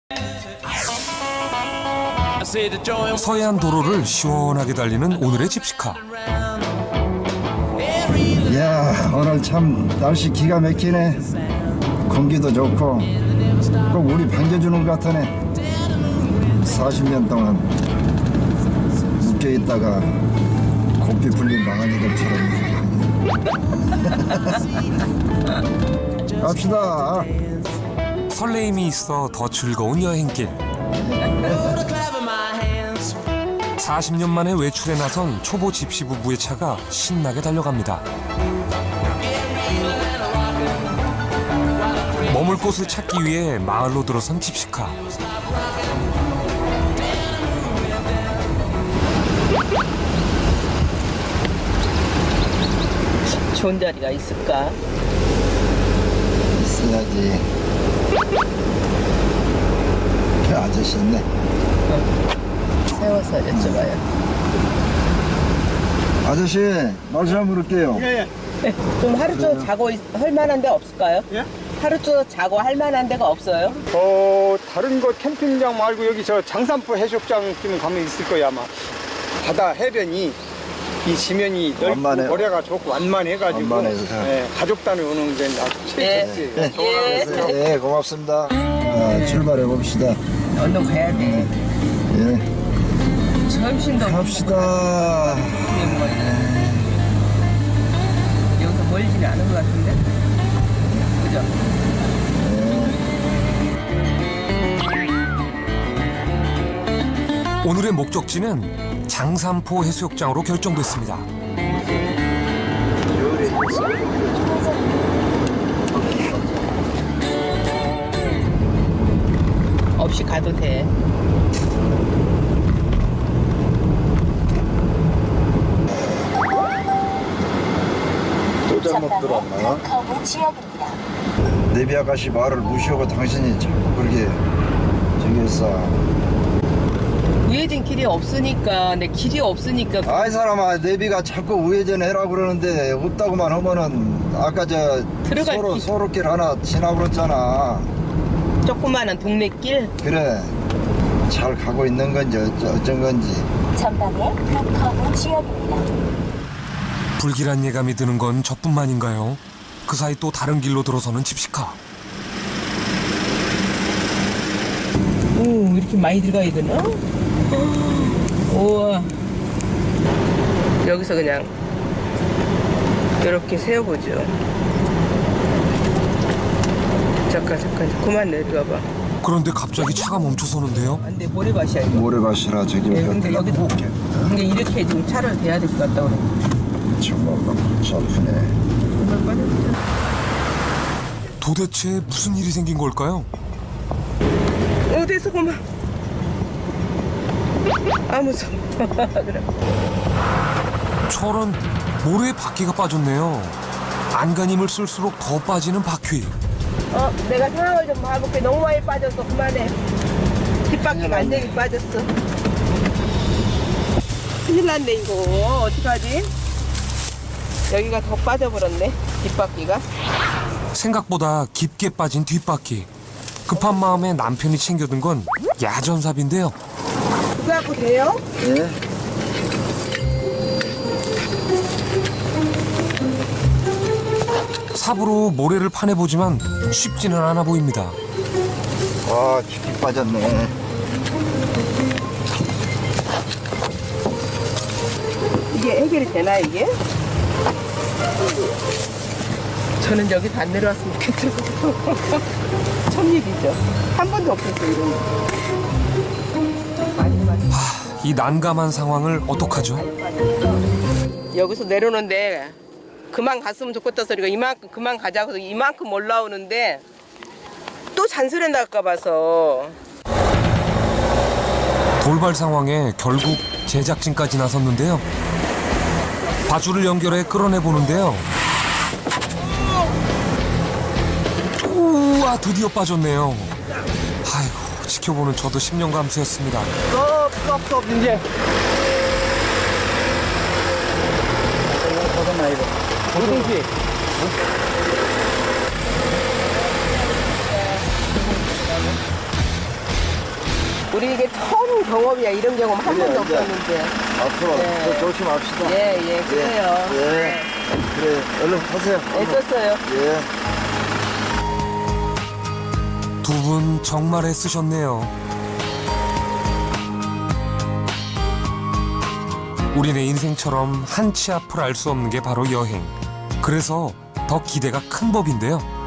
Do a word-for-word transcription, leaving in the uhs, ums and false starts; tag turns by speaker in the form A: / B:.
A: 서해안 도로를 시원하게 달리는 오늘의 집시카.
B: 이야, 오늘 참 날씨 기가 막히네. 공기도 좋고 꼭 우리 반겨주는 것 같으네. 사십 년 동안 묶여있다가 고삐 풀린 망아지들처럼 갑시다.
A: 설레임이 있어 더 즐거운 여행길. 사십 년 만에 외출에 나선 초보 집시 부부의 차가 신나게 달려갑니다. 머물 곳을 찾기 위해 마을로 들어선 집시카.
C: 좋은 자리가 있을까?
B: 있어야지. 그 아저씨 있네.
C: 세워서 여쭤봐요.
B: 아저씨, 말 좀 물을게요.
D: 예, 예.
C: 좀 하루 종일 자고 있- 할 만한 데 없을까요?
D: 예?
C: 하루 종일 자고 할 만한 데가 없어요?
D: 어, 다른 거 캠핑장 말고 여기 저 장산포 해수욕장 좀 가면 있을 거야, 아마. 바다 해변이 이 지면이 넓고
B: 완만해요.
D: 모래가 좋고 완만해가지고
B: 완만해서.
D: 예, 가족 단위 오는 게 아주 최고지.
B: 네.
C: 예.
B: 네, 고맙습니다. 아, 출발해 봅시다.
C: 언덕 가야 돼.
B: 예,
C: 점심도
B: 갑시다.
C: 여기서 멀지는 않은 것 같은데? 그죠?
A: 오늘의 목적지는 장산포 해수욕장으로 결정됐습니다.
C: 없이 가도 돼.
B: 또 잘못 들었나?
E: 거부 지역입니다.
B: 내비 아가씨 말을 무시하고 당신이 자꾸 그렇게 저기 했어.
C: 우회전 길이 없으니까, 내 길이 없으니까.
B: 아이 사람아, 내비가 자꾸 우회전 해라 그러는데 없다고만 하면은 아까 저
C: 들어갈
B: 서로
C: 길.
B: 서로 길 하나 지나 그랬잖아.
C: 조그마한 동네 길.
B: 그래, 잘 가고 있는 건지 어쩌, 어쩐 건지.
E: 전방에 거부 지역입니다.
A: 불길한 예감이 드는 건 저뿐만인가요? 그 사이 또 다른 길로 들어서는 집시카.
C: 오, 이렇게 많이 들어가야 되나? 우와. 여기서 그냥 이렇게 세워보죠. 잠깐, 잠깐, 그만 내려와봐.
A: 그런데 갑자기 차가 멈춰서는데요.
C: 안 돼, 모래밭이야, 이거.
B: 모래밭이라 저기
C: 예, 근데
B: 몇
C: 여기도 근데 이렇게 지금 차를 대야 될 것 같다 그래.
B: 정말 골치 아프네.
A: 도대체 무슨 일이 생긴 걸까요?
C: 어디서 그만. 아 무서워. 그래.
A: 저런 모래에 바퀴가 빠졌네요. 안간힘을 쓸수록 더 빠지는 바퀴.
C: 어, 내가 상황을 좀 봐볼게. 너무 많이 빠졌어. 그만해. 뒷바퀴가 완전히 빠졌어. 큰일 났네 이거. 어떡하지? 여기가 더 빠져버렸네. 뒷바퀴가.
A: 생각보다 깊게 빠진 뒷바퀴. 급한 마음에 남편이 챙겨둔 건 야전삽인데요.
C: 그거 갖고 돼요?
B: 예?
A: 삽으로 모래를 파내보지만 쉽지는 않아 보입니다.
B: 와, 깊이 빠졌네.
C: 이게 해결이 되나 이게? 저는 여기서 안 내려왔으면 좋겠죠. 첫 일이죠. 한 번도 없었어요 이런 거. 많이 많이.
A: 이 난감한 상황을 어떡하죠?
C: 여기서 내려오는데 그만 갔으면 좋겠다 소리가 이만큼 그만 가자고 해서 이만큼 올라오는데 또 잔소리 날까 봐서.
A: 돌발 상황에 결국 제작진까지 나섰는데요. 바줄을 연결해 끌어내 보는데요. 우와, 드디어 빠졌네요. 아이고, 지켜보는 저도 심령 감수였습니다.
D: 어, 스톱, 스톱, 이제. 잠깐만, 이거. 오동씨.
C: 우리 이게 처음 경험이야. 이런 경험 한
B: 그래,
C: 번도
B: 이제.
C: 없었는데.
B: 앞으로
C: 네.
B: 더 조심합시다.
C: 예, 예, 그래요.
B: 예. 그래, 얼른 타세요.
C: 애썼어요.
B: 예.
A: 두 분 정말 애쓰셨네요. 우리네 인생처럼 한치 앞을 알 수 없는 게 바로 여행. 그래서 더 기대가 큰 법인데요.